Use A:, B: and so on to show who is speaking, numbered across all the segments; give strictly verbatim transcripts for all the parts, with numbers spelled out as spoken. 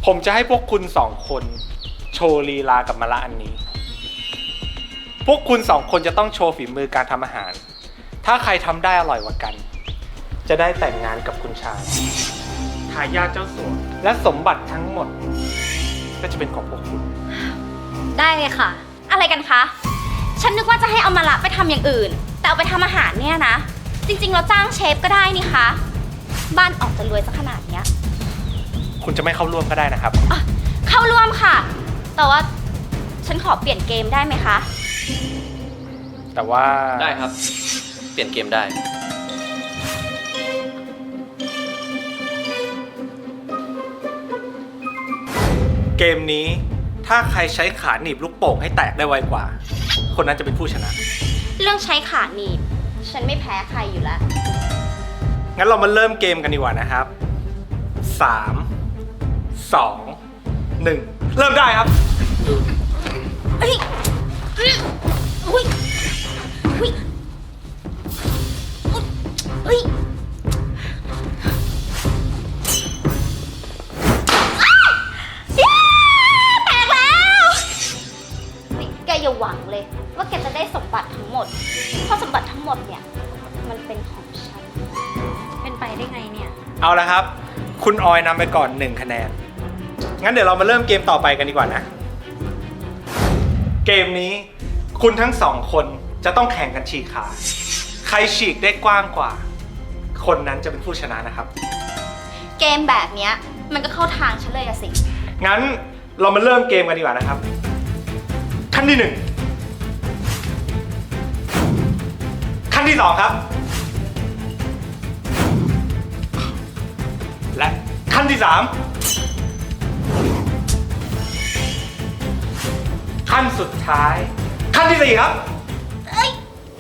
A: ผมจะให้พวกคุณสองคนโชว์ลีลากับมะละอันนี้ พวกคุณสองคนจะต้องโชว์ฝีมือการทำอาหาร ถ้าใครทำได้อร่อยกว่ากัน จะได้แต่งงานกับคุณชายทายาทเจ้าสัวและสมบัติทั้งหมด ก็จะเป็นของพวกคุณ
B: ได้เลยค่ะ อะไรกันคะ ฉันนึกว่าจะให้เอามาละไปทำอย่างอื่น แต่เอาไปทำอาหารเนี่ยนะ จริงๆเราจ้างเชฟก็ได้นี่คะ บ้านออกจะรวยสักขนาดเนี้ย
A: คุณจะไม่เข้าร่วมก็ได้นะครับ
B: อ่ะเข้าร่วมค่ะ แต่ว่าฉันขอเปลี่ยนเกมได้ไหมคะ
A: แต่ว่า
C: ได้ครับ เปลี่ยนเกมได้
A: เกมนี้ถ้าใครใช้ขาหนีบลูกโป่งให้แตกได้ไวกว่า คนนั้นจะเป็นผู้ชนะ
B: เรื่องใช้ขาหนีบ ฉันไม่แพ้ใครอยู่แล้ว
A: งั้นเรามาเริ่มเกมกันดีกว่านะครับสาม สอง หนึ่งเริ่มได้ครับ
B: เฮ้ยอุ้ยอุ้ยอุ้ยเฮ้ยอ้าวย้แตกแล้วเฮ้ยแกอย่าหวังเลย ว่าแกจะได้สมบัติทั้งหมด เพราะสมบัติทั้งหมดเนี่ย มันเป็นของฉัน เป็นไปได้ไงเนี่ย
A: เอาละครับ คุณออยนำไปก่อนหนึ่งคะแนน งั้นเดี๋ยวเรามาเริ่มเกมต่อไปกันดีกว่านะ เกมนี้คุณทั้งสองคนจะต้องแข่งกันฉีกขา ใครฉีกได้กว้างกว่า คนนั้นจะเป็นผู้ชนะนะครับ
B: เกมแบบเนี้ยมันก็เข้าทางฉันเลยอะสิ
A: งั้นเรามาเริ่มเกมกันดีกว่านะครับ ขั้นที่หนึ่งขั้นที่สองครับ และขั้นที่สามขั้นสุดท้าย ขั้นที่สี่ครับ
B: เอ้ย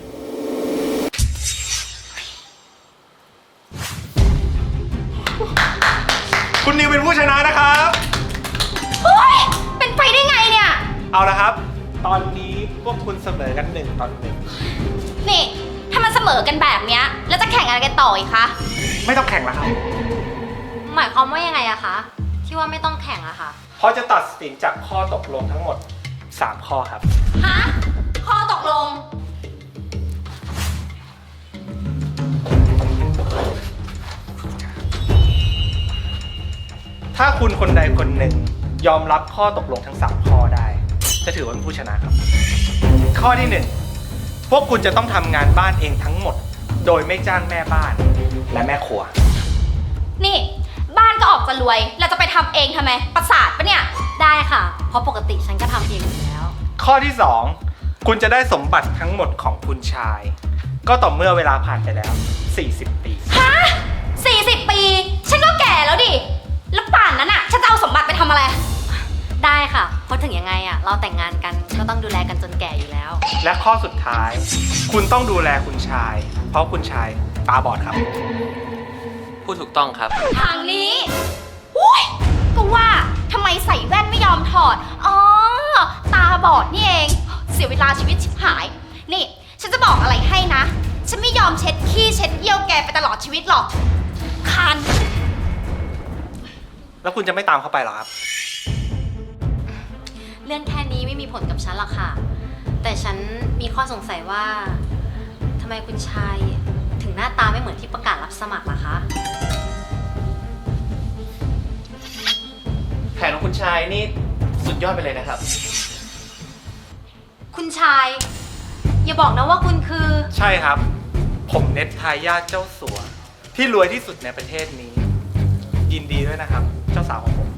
A: คุณนิวเป็นผู้ชนะนะครับ
B: โอ๊ยเป็นไปได้ไงเนี่ย
A: เอาละครับ ตอนนี้พวกคุณเสมอกันหนึ่งต่อหนึ่ง
B: นี่ ถ้ามันเสมอกันแบบเนี้ย แล้วจะแข่งอะไรกันต่ออีกคะ
A: ไม่ต้องแข่งแล้วครับ
B: หมายความว่ายังไงอะคะ ที่ว่าไม่ต้องแข่งอะคะ
A: เพราะจะตัดสินจากข้อตกลงทั้งหมดสามข้อครับ
B: ฮะ ข้อตกลง
A: ถ้าคุณคนใดคนหนึ่งยอมรับข้อตกลงทั้งสามข้อได้ จะถือว่าเป็นผู้ชนะครับ ข้อที่หนึ่งพวกคุณจะต้องทำงานบ้านเองทั้งหมด โดยไม่จ้างแม่บ้านและแม่ครัว
B: นี่ บ้านก็ออกจะรวย เราจะไปทำเองทำไม ประสาทปะเนี่ย ได้ค่ะ เพราะปกติฉันก็ทำเองอยู่แล้ว
A: ข้อที่สองคุณจะได้สมบัติทั้งหมดของคุณชาย ก็ต่อเมื่อเวลาผ่านไปแล้วสี่สิบปี
B: ฮะสี่สิบปี ฉันก็แก่แล้วดิ แล้วป่านนั้นอะฉันจะเอาสมบัติไปทำอะไร
D: ได้ค่ะ เพราะถึงยังไงอะเราแต่งงานกันก็ต้องดูแลกันจนแก่อยู่แล้ว
A: และข้อสุดท้าย คุณต้องดูแลคุณชาย เพราะคุณชายตาบอดครับ
C: พูดถูกต้องครับ
B: ทางนี้อุ้ยก็ว่าทำไมใส่แว่นไม่ยอมถอด อ๋อ ตาบอดนี่เอง เสียเวลาชีวิตชิบหาย นี่ ฉันจะบอกอะไรให้นะ ฉันไม่ยอมเช็ดขี้เช็ดเยี่ยวแกไปตลอดชีวิตหรอก คัน
A: แล้วคุณจะไม่ตามเขาไปหรอครับ
D: เรื่องแค่นี้ไม่มีผลกับฉันหรอกค่ะ แต่ฉันมีข้อสงสัยว่าทำไมคุณชายถึงหน้าตาไม่เหมือนที่ประกาศรับสมัครล่ะคะ
C: แผนของคุณชายนี่สุดยอดไปเลยนะครับ
D: คุณชาย อย่าบอกนะว่าคุณคือ
A: ใช่ครับ ผมเน็ตทายาทเจ้าสัว ที่รวยที่สุดในประเทศนี้ ยินดีด้วยนะครับ เจ้าสาวของผม